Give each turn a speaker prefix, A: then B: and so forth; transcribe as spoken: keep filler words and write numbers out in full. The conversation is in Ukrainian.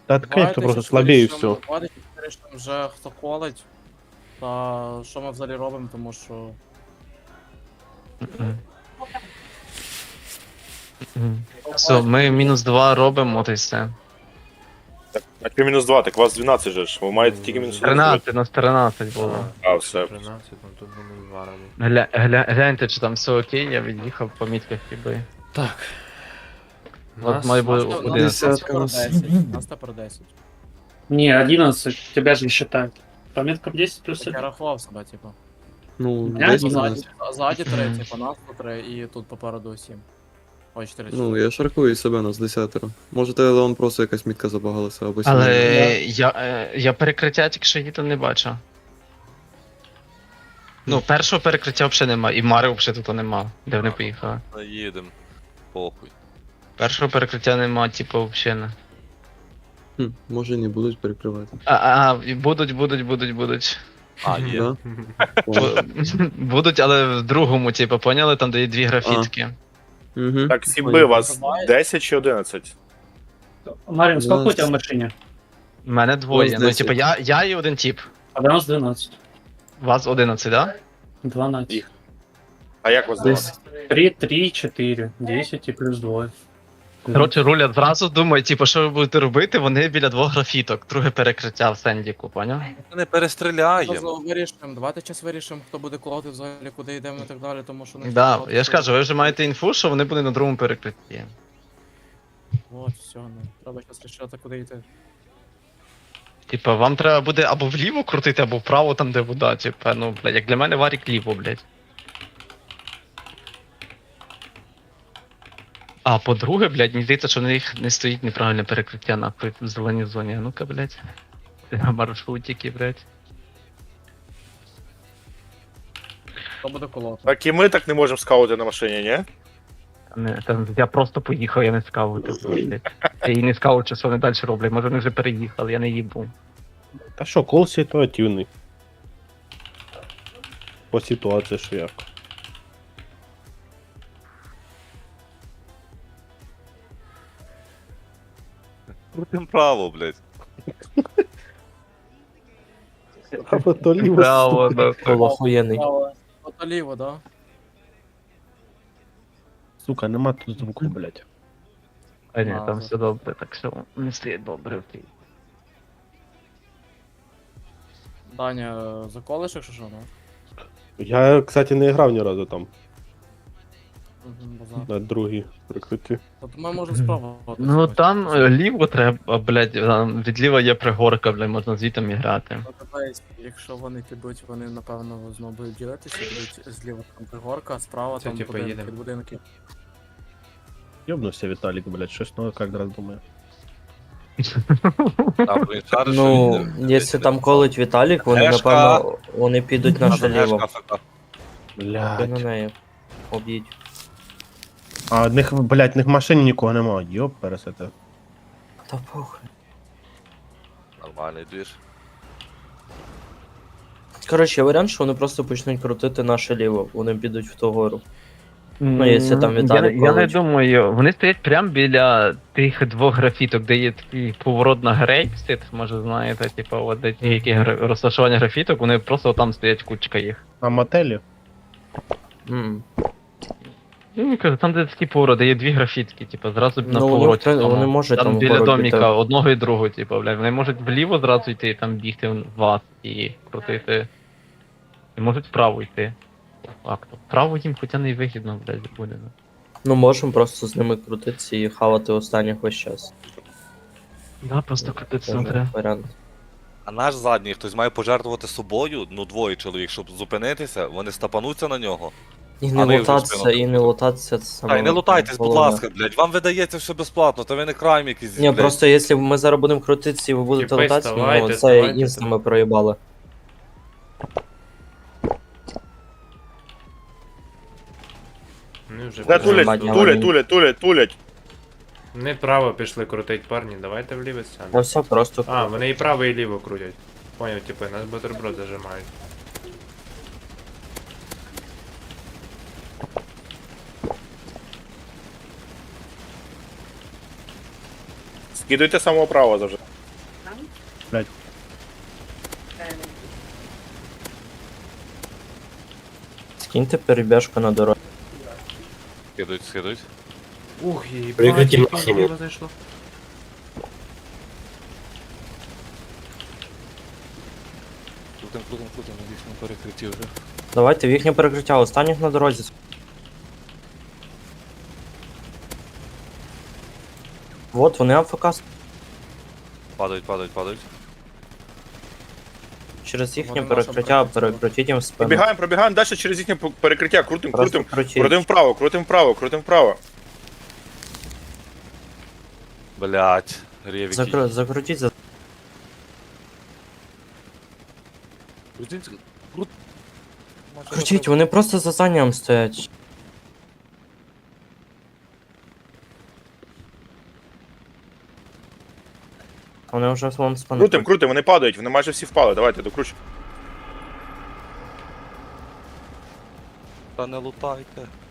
A: Та конечно,
B: Давайте
A: просто
B: щось
A: слабее і
B: вирішимо,
A: все.
B: давайте щось вирішимо вже хто колить. Та що ми взагалі робимо, тому що.
C: Мгм. Мгм. Все, ми мінус два робимо, от і все.
D: Так, а ти мінус два, так у вас дванадцять же ж. Ви маєте тільки мінус один зробити.
C: тринадцять, нас тринадцять було.
D: А, все.
E: тринадцять, ну тут мінус два робить.
C: Гля, гля, гляньте, чи там все окей, я від'їхав по мітках хіби.
E: Так.
C: От має бути
B: У нас
C: одинадцять.
B: тепер десять. У нас тепер десять.
F: Не, одиннадцать, тебя же не считают. По меткам десять плюс
B: Так я
F: один.
B: рахував себе, типу.
G: Ну,
F: Я
G: десь
F: не знаю.
G: дванадцять.
B: Ззаді, ззаді три, типу, нас тут три, і тут попереду сім. Ой, чотири.
G: Ну, я шаркую себе нас десятеро. Може, телефон просто якась мітка забагалася або
C: Але
G: сімейна.
C: я, е, я перекриття тільки що їду не бачу. Ну, першого перекриття взагалі нема, і Мари взагалі тут нема, де вони поїхали.
H: Їдем. Похуй.
C: Першого перекриття нема, типу, взагалі не.
G: Хм, може не будуть перекривати.
C: А, а, і будуть, будуть, будуть, будуть.
H: А, є.
G: Да?
C: Бу- Будуть, але в другому, типу, поняли, там де є дві графітки.
G: Угу.
D: Так, сімби, у вас десять чи одинадцять?
F: Марин, сколько у
G: двенадцать.
F: тебя в машине?
C: У мене двоє.
G: Ось
C: Ну,
G: десять.
C: типу, я, я і один тип.
F: А у нас двенадцать.
C: Вас одинадцять, да?
F: двенадцать.
D: Їх. А як вас
G: Десь.
D: звати?
F: три, три, четыре. десять и плюс два.
C: Коротше, рулять зразу думають, типу, що ви будете робити, вони біля двох графіток, друге перекриття в Сендіку, поняв?
H: Ми не перестріляємо.
B: Зараз вирішимо, давайте час вирішимо, хто буде колоти взагалі, куди йдемо і так далі, тому що... не
C: Да,
B: всі
C: я ж
B: колоти-
C: кажу, ви вже маєте інфу, що вони будуть на другому перекритті.
B: От, все, ну, треба зараз рішати, куди йти.
C: Типа, вам треба буде або вліво крутити, або вправо там, де вода, типа, ну, блядь, як для мене варік ліво, блядь. А по-друге, блядь, мені здається, що в них не стоїть неправильне перекриття нахуй в зеленій зоні. А ну-ка, блядь. На маршрутики, блядь.
B: Хто буде колоти?
D: Так і ми так не можемо скаути на машині, ні?
C: Не, там, я просто поїхав, я не скаутив, блядь. Я і не скаут, що вони далі роблять. Може вони вже переїхали, я не їбу.
A: Та що, кол ситуативний. По ситуації, що як.
H: Крутим право, блядь.
A: Або то ліво.
C: Браво,
A: сука.
C: нахуй.
I: Було охуєнний.
B: Хто ліво, да?
A: Сука, нема тут звуку, блядь.
C: А ні, там
B: Ага.
C: все добре, так все не стоїть добре, окей.
B: Даня, заколиш, якщо що, ну?
A: Я, кстати, не грав ні разу там,
B: Мгм, базар.
A: на другій прикритті.
B: Тобто ми можемо спробувати.
C: Ну
B: сьогодні.
C: там е, ліво треба, блядь, там від ліва є пригорка, блядь, можна звітом і грати.
B: Ну, дивись, якщо вони підуть, вони напевно знову будуть ділитися, будуть зліва там пригорка, а справа
E: Це,
B: там
E: типу,
B: будинки,
E: їдемо.
B: будинки.
A: Ёбнувся Віталік, блядь, щось ну як раз думаю.
H: А, блін, шариш,
I: Ну,
H: що їдемо.
I: якщо там колить Віталік, вони
H: Ешка.
I: напевно вони підуть на
H: Ешка,
I: ліво.
H: ФК.
I: Ти на
A: Блядь.
I: неї. Об'їдь.
A: А в них, блядь, в них в машині нікого нема. Йоп, пересете.
I: Та похуй.
H: Нормальний двіж.
I: Коротше, є варіант, що вони просто почнуть крутити наше ліво, вони підуть в ту гору. Ну, якщо там
C: я,
I: Віталій
C: я не
I: колить.
C: думаю, вони стоять прямо біля тих двох графіток, де є такий поворот на грейпсит, може знаєте, типу, от де ті, які гра- розташування графіток, вони просто там стоять кучка їх.
A: А мотелі?
I: М.
C: Ну, кажу, там де такий поворот, де є дві графітки, типу, зразу на
I: Ну, вони,
C: повороті.
I: в принципі,
C: тому.
I: вони можуть
C: там
I: там
C: біля
I: вгору
C: доміка
I: піти.
C: одного і другого, типу, блядь. Вони можуть вліво зразу йти, там бігти в вас і крутити. І можуть вправо йти. По факту. Вправо їм хоча не вигідно, блядь, буде. ну.
I: Ну, можемо просто з ними крутитися і хавати останніх весь час.
C: Да, просто крутитися
I: Це
C: не треба.
I: варіант.
H: А наш задній хтось має пожертвувати собою, ну двоє чоловік, щоб зупинитися, вони стапануться на нього.
I: І
H: А
I: не
H: ви вже
I: лутатися,
H: спину.
I: і не лутатися це саме.
H: Та й не лутайтесь, будь
I: головне.
H: ласка, блядь, вам видається все безплатно, та ви не крайм якийсь,
I: Ні,
H: блядь.
I: просто якщо ми зараз будемо крутитися і ви будете
E: Тіпи,
I: лутатися,
E: вставайте,
I: ну це
E: вставайте,
I: інста
E: там.
I: ми проїбали.
E: Ну, вже
D: Не
E: пізно.
D: тулять,
I: Нормально.
D: тулять, тулять, тулять, тулять.
E: Не право пішли крутить, парні, давайте вліво
I: Та
E: сяду.
I: все просто.
E: А, вони і право, і ліво крутять. Поняв, типи, нас бутерброд зажимають.
D: Скидуйте самого права завжди.
I: Киньте перебіжку на дорогу.
H: Скидують, скидують.
E: Ух, і
J: Прикриті
E: бачить,
J: максимум.
E: ліво зайшло.
H: Крутим, крутим, крутим, на їхньому перекритті вже.
I: Давайте в їхнє перекриття, останніх на дорозі. Вот, вони АФК
H: Падають, падають, падають.
I: через їхнє
B: Вони наше
I: перекриття,
B: перекриття.
I: перекрутіть їм спину.
D: Пробігаємо, пробігаємо далі через їхнє перекриття, крутим,
I: Просто
D: крутим.
I: крутіть.
D: Крутим вправо, крутим вправо, крутим вправо.
H: Блять, рєвіки.
I: Закру- Закрутіть за...
H: Крутіть, крут.
I: Крутіть, вони просто за зданням стоять. Вони вже вон спину.
D: Крутим, крутим, вони падають, вони майже всі впали. Давайте, докручуємо.
H: Та не лутайте.